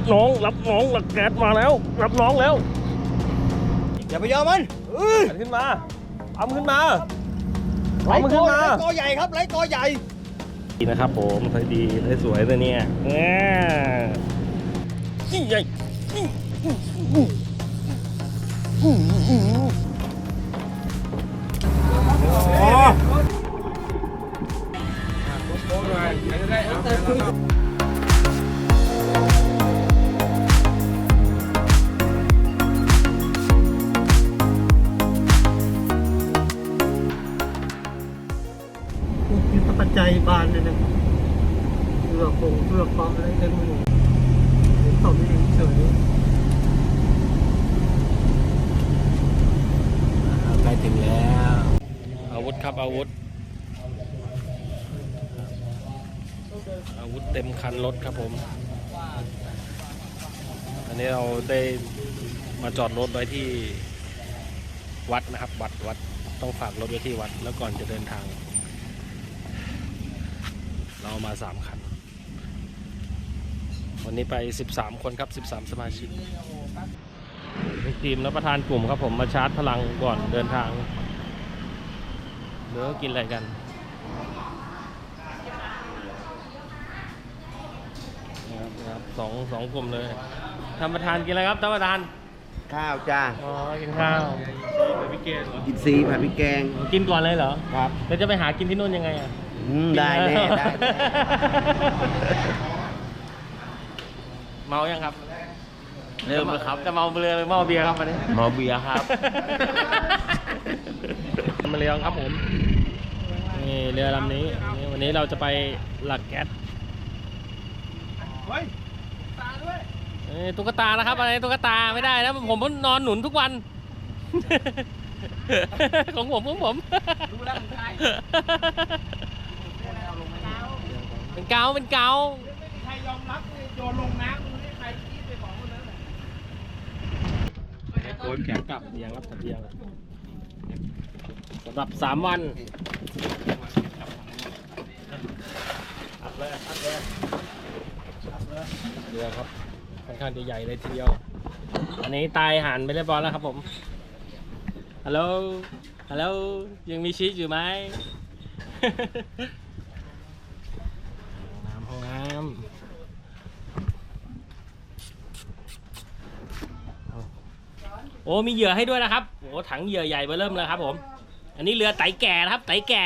น้องรับน้องหลักแก๊สมาแล้วรับน้องแล้วอย่าไปยอมมันขึ้นมาเอาขึ้นมาไล่ขึ้นมากอใหญ่ครับไล่กอใหญ่ดีนะครับผมสวยดีสวยเลยเนี่ยใหญ่ปัจจัยบานเลยนะเพื่อคงเพื่อความอะไรเต็มหมดตอบเองเฉยใกล้ถึงแล้วอาวุธครับอาวุธเต็มคันรถครับผมอันนี้เราได้มาจอดรถไว้ที่วัดนะครับวัดต้องฝากรถไว้ที่วัดแล้วก่อนจะเดินทางเรามา3 คันวันนี้ไป13 คนครับ13 สมาชิกทีมและประธานกลุ่มครับผมมาชาร์จพลังก่อนเดินทางเดี๋ยวกินอะไรกันนะครับสองกลุ่มเลยท่านประธานกินอะไรครับท่านประธานข้าวจ้าอ๋อกินข้าวกินซีผัดพริกแกงกินก่อนเลยเหรอครับแล้วจะไปหากินที่นู่นยังไงอ่ะได้แน่ได้เมายังครับเริ่มแล้วครับจะเมาเรือหรือเมาเบียร์ครับวันนี้เมาเบียร์ครับมาเรือครับผมนี่เรือลำนี้วันนี้เราจะไปหลักแก๊สตุ๊กตานะครับอะไรตุ๊กตาไม่ได้นะผมนอนหนุนทุกวันของผมรู้แล้วใครเป็นเกาไม่มีใครยอมรับเลยโยนลงน้ำมึงไม่ใครคิดไปของคนนั้นโอนแขนกลับเตียงครับเตียงสำหรับ3 วันอัดเลยเรือครับค่อนข้างจะใหญ่เลยทีเดียวอันนี้ตายหันไปเรียบร้อยแล้วครับผมฮัลโหลยังมีชีสอยู่ไหมห้องน้ำโอ้มีเหยื่อให้ด้วยนะครับโอ้ถังเหยื่อใหญ่เบ้อเริ่มเลยครับผมอันนี้เรือไต่แก่นะครับไต่แก่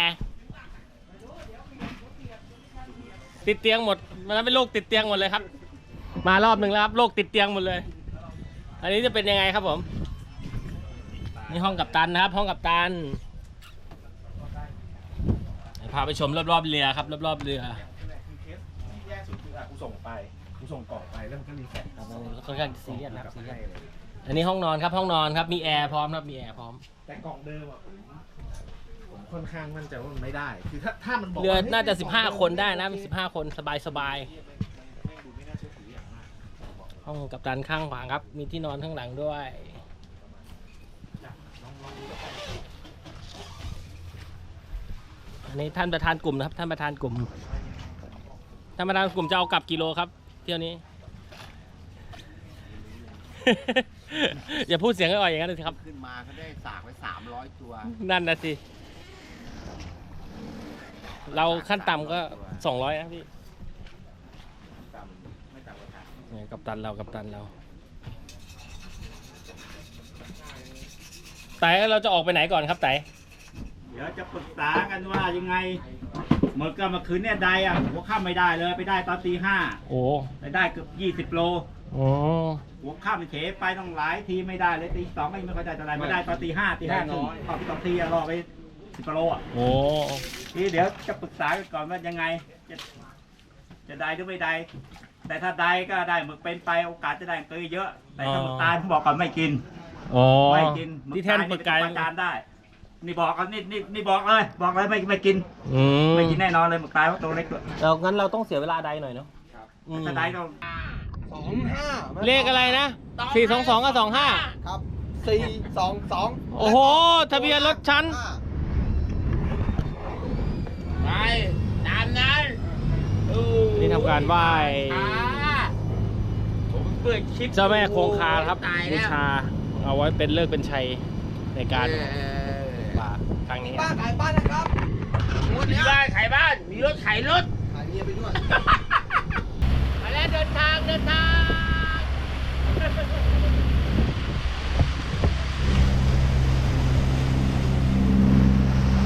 ติดเตียงหมดมันเป็นโรคติดเตียงหมดเลยครับมารอบหนึ่งแล้วครับโรคติดเตียงหมดเลยอันนี้จะเป็นยังไงครับผมนี่ห้องกัปตันนะครับห้องกัปตันพาไปชมรอบๆเรือครับรอบๆเรือแย่สุดคือกูส่งกล่องไปแล้วมันก็รีเซ็ตค่อนข้างซีเรียสนะครับอันนี้ห้องนอนครับห้องนอนครับมีแอร์พร้อมครับมีแอร์พร้อมแต่กล่องเดิมผมค่อนข้างมั่นใจว่ามันไม่ได้คือถ้ามันบอกเรือน่าจะ15 คนได้นะมี15 คนสบายห้องกัปตันข้างขวาครับมีที่นอนข้างหลังด้วยอันนี้ท่านประธานกลุ่มนะครับท่านประธานกลุ่มจะเอากลับกิโลครับเที่ยวนี้ อย่าพูดเสียงอ่อยอย่างนั้นเลยครับขึ้นมาเขาได้สากไว้300 ตัวนั่นนะสิเราขั้นต่ำก็200นะพี่กัปตันเราแต่เราจะออกไปไหนก่อนครับแต่เดี๋ยวจะปรึกษากันว่ายังไงเมื่อคืนเนี่ยได้อะหัวค่ำไม่ได้เลยไปได้ตอนตี 5โอ้ไปได้เกือบ20 โลโอ้หัวค่ำเฉไปต้องหลายทีไม่ได้เลยตี 2ไม่ค่อยได้อะไรไม่ได้ตอนตี 5ครึ่งพอที่2 ทีรอไป10 โลอ่ะโอ้นี่เดี๋ยวจะปรึกษากันก่อนว่ายังไงจะได้หรือไม่ได้แต่ถ้าได้ก็ได้หมึกเป็นไปโอกาสจะได้ก็เยอะแต่ถ้าหมึกตายผมบอกก่อนไม่กินไม่กินที่แท่นหมึกไก่ประจานได้นี่บอกกันนี่บอกเลยไม่กินไม่กินแน่นอนเลยหมึกตายเพราะตัวเล็กด้วยเรางั้นเราต้องเสียเวลาใดหน่อยเนาะถ้าได้ต้อง 25 เลขอะไรนะ422กับ25 ครับ422 โอ้โหทะเบียนรถชั้นไปตามนั้นนี่ทำการไหว้เปิดคลิปเจ้าแม่คงคาครับตายบูแล้วชา เอาไว้เป็นเลิกเป็นชัยในการเออป่าครั้งนี้บ้านขายบ้านนะครับงวดมีเนี้ยบ้านขายบ้าน มีรถขายรถขายเมียไปด้วยมาแล้วเดินทาง